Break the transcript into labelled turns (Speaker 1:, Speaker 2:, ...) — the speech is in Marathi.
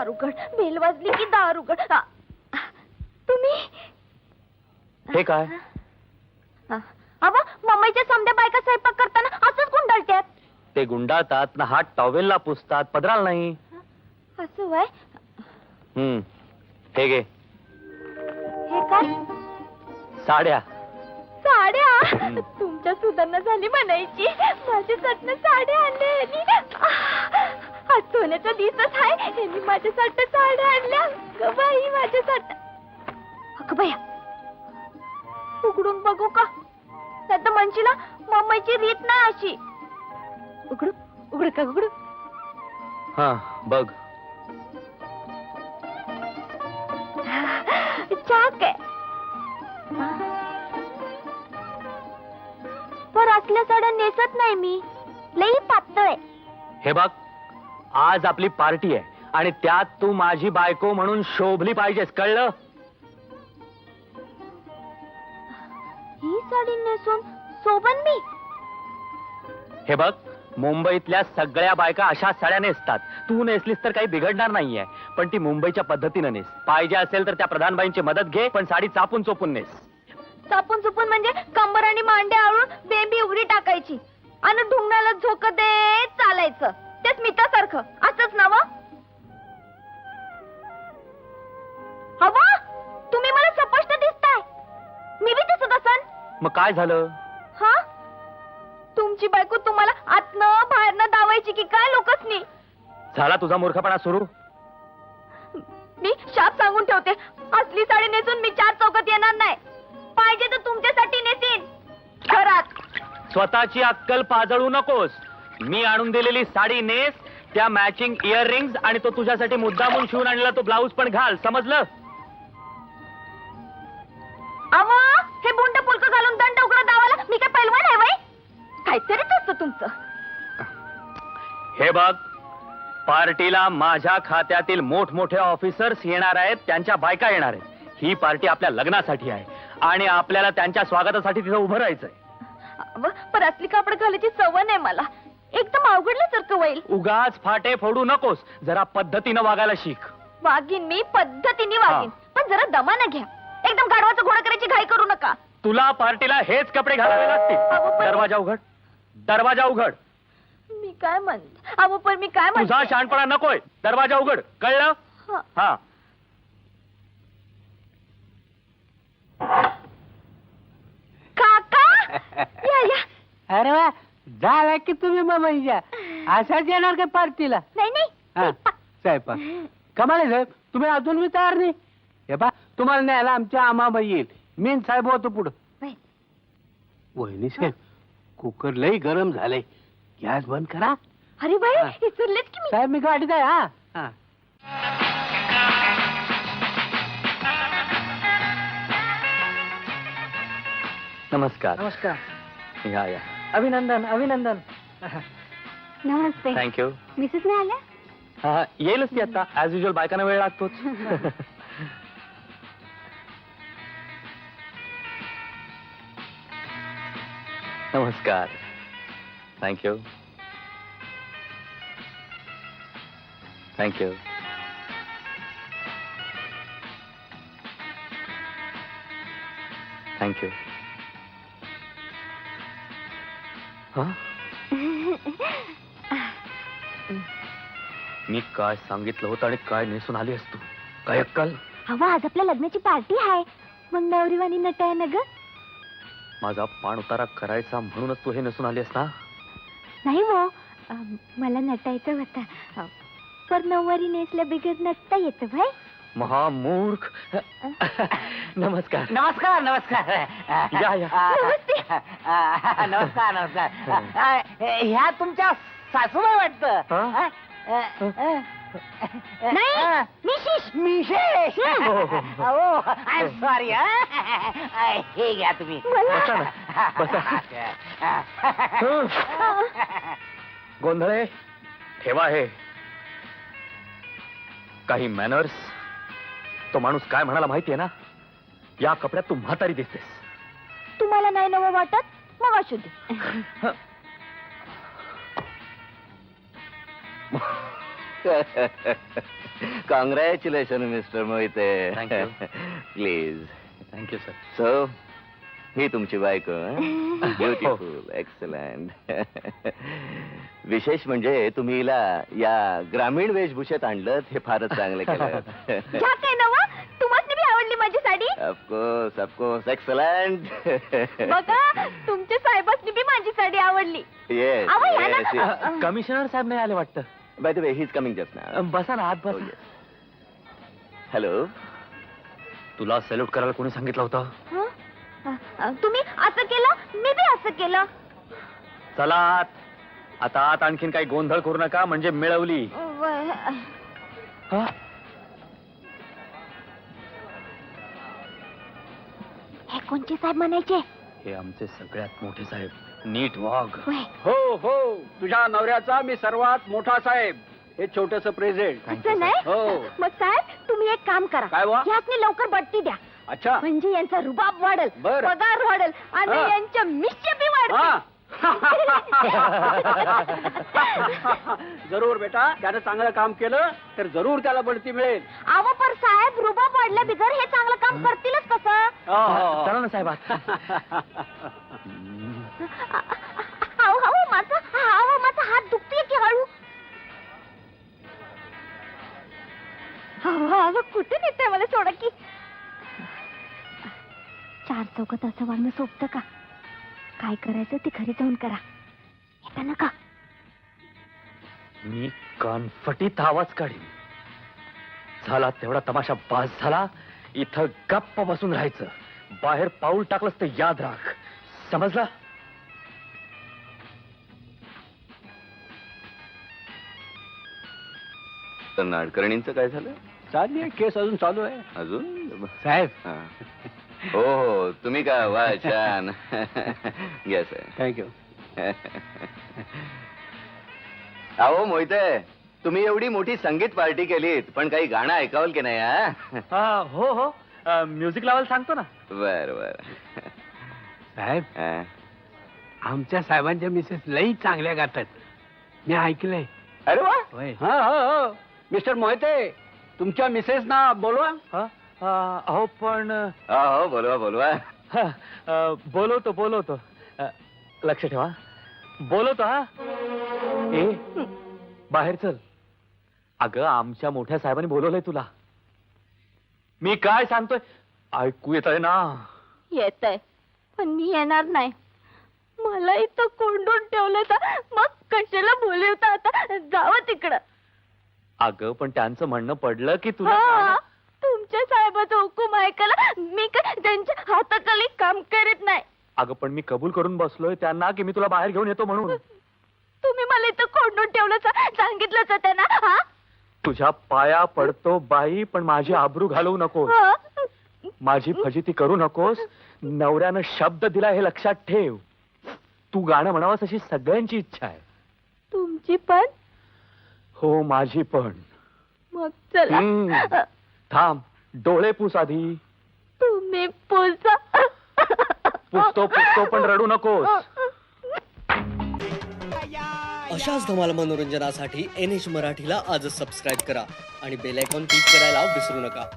Speaker 1: दार उघड, बेल वाजली की दार उघड. तुम्ही
Speaker 2: हे काय?
Speaker 1: अव मम्मीच्या समध्या बायका स्वयंपाक करताना असंच गुंडाळत्यात.
Speaker 2: ते गुंडाळतात ना हात टॉवेलला पुसतात, पदराल नाही.
Speaker 1: असं वय.
Speaker 2: हे घे.
Speaker 1: हे काय?
Speaker 2: साड्या.
Speaker 1: साड्या? तुमच्या सुधारणा झाली म्हणायची. माझ्यासाठी साड्या आणल्या. आज सोन्याचा दिवसच आहे. यांनी माझ्यासाठी साड्या आणल्या. ग बाई माझ्यासाठी. अगं बाया, उघडून बघू का? नाही तर म्हणशील मम्मीची रीत नाही अशी. उघडू उघड का उघडू?
Speaker 2: हा बघ.
Speaker 1: चाक आहे. पर असल्या साड्या नेसत नाही मी. लई पातळ आहे.
Speaker 2: हे बघ, आज आपली पार्टी आहे आणि त्यात तू माझी बायको म्हणून शोभली पाहिजेस, कळलं?
Speaker 1: ही साडी नेसून शोभन मी?
Speaker 2: हे बघ, मुंबईतल्या सगळ्या बायका अशाच साड्या नेसतात. तू नेसलीस तर काही बिघडणार नाहीये, पण ती मुंबईच्या पद्धतीनं नेस. पाहिजे असेल तर त्या प्रधानबाईंची मदत घे, पण साडी चापून चोपून नेस.
Speaker 1: चापून चुपून म्हणजे कंबर आणि मांड्या आळून बेंबी उघडी टाकायची आणि ढुंगणाला झोक देत चालायचं. ते स्मितासारखं असंच ना? हवा तुम्ही मला स्पष्ट दिसताय. मी बी दिसत असन.
Speaker 2: मग काय झालं?
Speaker 1: हा, तुमची बायको तुम्हाला आतनं बाहेरनं दावायची की काय लोकसनी?
Speaker 2: झाला तुझा मूर्खपणा सुरू?
Speaker 1: मी शाप सांगून ठेवते, असली साडी नेसून मी चार चौकात येणार नाही. पाहिजे तर तुमच्यासाठी नेसीन घरात.
Speaker 2: स्वतःची अक्कल पाजळू नकोस. मी आणून दिलेली साडी नेस, त्या मॅचिंग इयररिंग्स आणि तो तुझ्यासाठी मुद्दामून शिवून आणलेला तो ब्लाऊज पण घाल, समजलं?
Speaker 1: अवा हे बुंड पुलक घालून दंड उघड दावाला मी काय पैलवान आहे वय? काहीतरीच असतं तुमचं.
Speaker 2: हे बघ, पार्टीला माझ्या खात्यातील मोठमोठे ऑफिसर्स येणार आहेत, त्यांच्या बायका येणार आहेत. ही पार्टी आपल्या लग्नासाठी आहे आणि आपल्याला त्यांच्या स्वागतासाठी तिथं उभं राहायचंय.
Speaker 1: पण असली कापड घालायची सवय नाही मला. एकदम अवघडल्यासारखं होईल.
Speaker 2: उगाच फाटे फोडू नकोस, जरा पद्धतीनं वागायला शिक.
Speaker 1: वागीन मी, पद्धतीने वागीन, पण जरा दमानं घ्या. एकदम गाढवाचं घोडं करायची घाई करू नका.
Speaker 2: तुला पार्टीला हेच कपडे घालावे लागतील. दरवाजा उघड, दरवाजा उघड.
Speaker 1: मी काय म्हणते? अहो पण मी काय म्हणते?
Speaker 2: तुझा शहाणपणा नकोय. दरवाजा उघड, कळलं? हा.
Speaker 1: काका या या.
Speaker 3: अरे वा, झाला की तुम्ही मम्मीच्या. असाच येणार का पार्टीला?
Speaker 1: नाही नाही.
Speaker 3: स्वयंपाक कमाल आहे साहेब, तुम्ही अजून मी तयार नाही. हे पा, तुम्हाला न्यायला आमच्या आमाबाई येईल. मीन साहेब होतो पुढं. वहिनी साहेब, कुकर लई गरम झालंय, गॅस बंद करा.
Speaker 1: अरे बाई विसरलेच की मी.
Speaker 3: साहेब मी गाडीत आहे. हा.
Speaker 2: नमस्कार.
Speaker 3: नमस्कार.
Speaker 2: या या.
Speaker 3: अभिनंदन अभिनंदन.
Speaker 1: नमस्ते.
Speaker 2: थँक्यू.
Speaker 1: मिसेस नाही आल्या?
Speaker 2: हा, येईलच ती आता. ऍज युजल बायकांना वेळ लागतोच. नमस्कार. थँक्यू. थँक्यू. थँक्यू. मी काय सांगितलं होतं आणि काय नेसून आली असतो? काय अक्कल?
Speaker 1: हवा आज आपल्या लग्नाची पार्टी आहे, मग नवरीवाणी नटाय ना ग.
Speaker 2: माझा पाण उतारा करायचा म्हणूनच तू हे नेसून आली ना?
Speaker 1: नाही वो, मला नटायचं होतं, पर नऊवारी नेसल्या बिगर नटता येतं भाई.
Speaker 2: महामूर्ख. नमस्कार.
Speaker 3: नमस्कार नमस्कार.
Speaker 2: या या.
Speaker 3: नमस्कार नमस्कार. ह्या तुमच्या सासूबाई वाटतं.
Speaker 1: नाही मिशिश.
Speaker 3: मिशेष.
Speaker 2: हो.
Speaker 3: I am sorry. हे घ्या तुम्ही.
Speaker 2: बसा ना, बसा. गोंधळे ठेवा हे. काही मॅनर्स. तो माणूस काय म्हणाला माहितीये ना? या कपड्यात तू म्हातारी दिसतेस.
Speaker 1: तुम्हाला नाही नवं वाटत? मग असू दे.
Speaker 4: Congratulation mister Mohite.
Speaker 2: Thank you.
Speaker 4: Please.
Speaker 2: Thank you sir.
Speaker 4: So ही तुमची बायको. Beautiful, excellent. विशेष म्हणजे तुम्ही हिला या ग्रामीण वेशभूषेत आणलं हे फारच चांगलं केलं.
Speaker 1: घ्या काय नवा, तुम्हाला बी आवडली माझी साडी.
Speaker 4: Of course of course, excellent.
Speaker 1: बघा तुमच्या साहेबांनी बी माझी साडी आवडली.
Speaker 4: येस
Speaker 1: अहो, या ना.
Speaker 4: येस.
Speaker 2: कमिशनर साहेब नाही आले वाटतं.
Speaker 4: By the way he is coming just now.
Speaker 2: बसा ना, आत बसा.
Speaker 4: हॅलो.
Speaker 2: तुला सॅल्यूट करायला कोणी सांगितलं होतं?
Speaker 1: तुम्ही असं केलं, मी बी असं केलं.
Speaker 2: चला आत. आता आत आणखीन काही गोंधळ करू नका, म्हणजे मिळवली. हा?
Speaker 1: हे कोणचे साहेब म्हणायचे?
Speaker 2: हे आमचे सगळ्यात मोठे साहेब. नीट वाघ.
Speaker 1: वय.
Speaker 3: हो हो, तुझ्या नवऱ्याचा मी सर्वात मोठा साहेब, हे छोटस प्रेझेंट.
Speaker 1: असं नाही.
Speaker 3: हो.
Speaker 1: मग साहेब तुम्ही एक काम करा,
Speaker 3: काय वा?
Speaker 1: ह्यातनी लवकर बढती द्या.
Speaker 3: अच्छा.
Speaker 1: म्हणजे यांचा रुबाब वाढेल,
Speaker 3: बरं.
Speaker 1: पगार वाढेल आणि
Speaker 3: हा.
Speaker 1: यांच्या मिश्य बी
Speaker 3: हा.
Speaker 1: वाढतील.
Speaker 3: जरूर बेटा, त्यानं चांगलं काम केलं तर जरूर त्याला बढती मिळेल.
Speaker 1: अहो पण साहेब रुबाब वाढल्या बिगर हे चांगलं काम करतीलच कसं?
Speaker 3: हो,
Speaker 2: चला ना साहेब आत.
Speaker 1: माझा हात दुखतोय की हळू. कुठे नेते मला, सोडा की. चार चौकात असं वागणं सोपतं का? काय करायचं ते घरी जाऊन करा. येता नका.
Speaker 2: मी कानफटीत आवाज काढीन. झाला तेवढा तमाशा बास झाला. इथं गप्प बसून राहायचं. बाहेर पाऊल टाकलंस तर याद राख. समजला?
Speaker 4: तर नाडकर्णींचं काय झालं?
Speaker 3: चालली आहे, केस अजून चालू आहे.
Speaker 4: अजून
Speaker 3: साहेब.
Speaker 4: हा. हो हो, तुम्ही का? वा, छान. येस.
Speaker 3: थँक्यू.
Speaker 4: अहो मोहिते, तुम्ही एवढी मोठी संगीत पार्टी केलीत, पण काही गाणं ऐकावल की नाही? हा.
Speaker 2: हो हो. म्युझिक लावायला सांगतो ना.
Speaker 4: बर बर.
Speaker 3: साहेब,
Speaker 4: हा.
Speaker 3: आमच्या साहेबांच्या मिसेस लई चांगल्या गातात, मी ऐकलंय.
Speaker 4: अरे वा.
Speaker 3: होय. हा हो हो, मिस्टर मोहिते, तुमच्या मिसेस ना बोलवा.
Speaker 2: हा? अहो पण
Speaker 4: हो, बोलवा बोलवा.
Speaker 2: बोलवतो. लक्ष ठेवा. बोलवतो. हा. ए बाहेर चल. अगं आमच्या मोठ्या साहेबांनी बोलवलंय तुला. मी काय सांगतोय ऐकू येत आहे ना?
Speaker 1: येत आहे, पण मी येणार नाही. मला इथं कोंडून ठेवलं तर मग कशाला बोलवता? आता जावं तिकडं.
Speaker 2: अगं पण त्यांचं म्हणणं पडलं की तुला
Speaker 1: हा, तुमच्या साहेबाचा हुकूम ऐकायला मी काय त्यांच्या हाताखाली काम करत नाही.
Speaker 2: अगं पण मी कबूल करून बसलोय त्यांना की मी तुला बाहेर घेऊन येतो म्हणून.
Speaker 1: तुम्ही मला इथं कोंडून ठेवलं, सांगितलंच होतं ना? हा?
Speaker 2: तुझ्या पाया पडतो बाई, पण माझी आबरू घालवू नकोस.
Speaker 1: हा?
Speaker 2: माझी फजिती करू नकोस. नवऱ्यानं शब्द दिला हे लक्षात ठेव. तू गाणं म्हणावंस अशी सगळ्यांची इच्छा आहे.
Speaker 1: तुमची पण?
Speaker 2: हो माझी पण.
Speaker 1: मग चला.
Speaker 2: हम्म. थांब, डोळे पुस आधी.
Speaker 1: तुम्ही पुसा.
Speaker 2: पुसतो पण रडू नकोस.
Speaker 5: अशाच धमाल मनोरंजनासाठी NH मराठीला आजच सबस्क्राईब करा आणि बेल आयकॉन क्लिक करायला विसरू नका.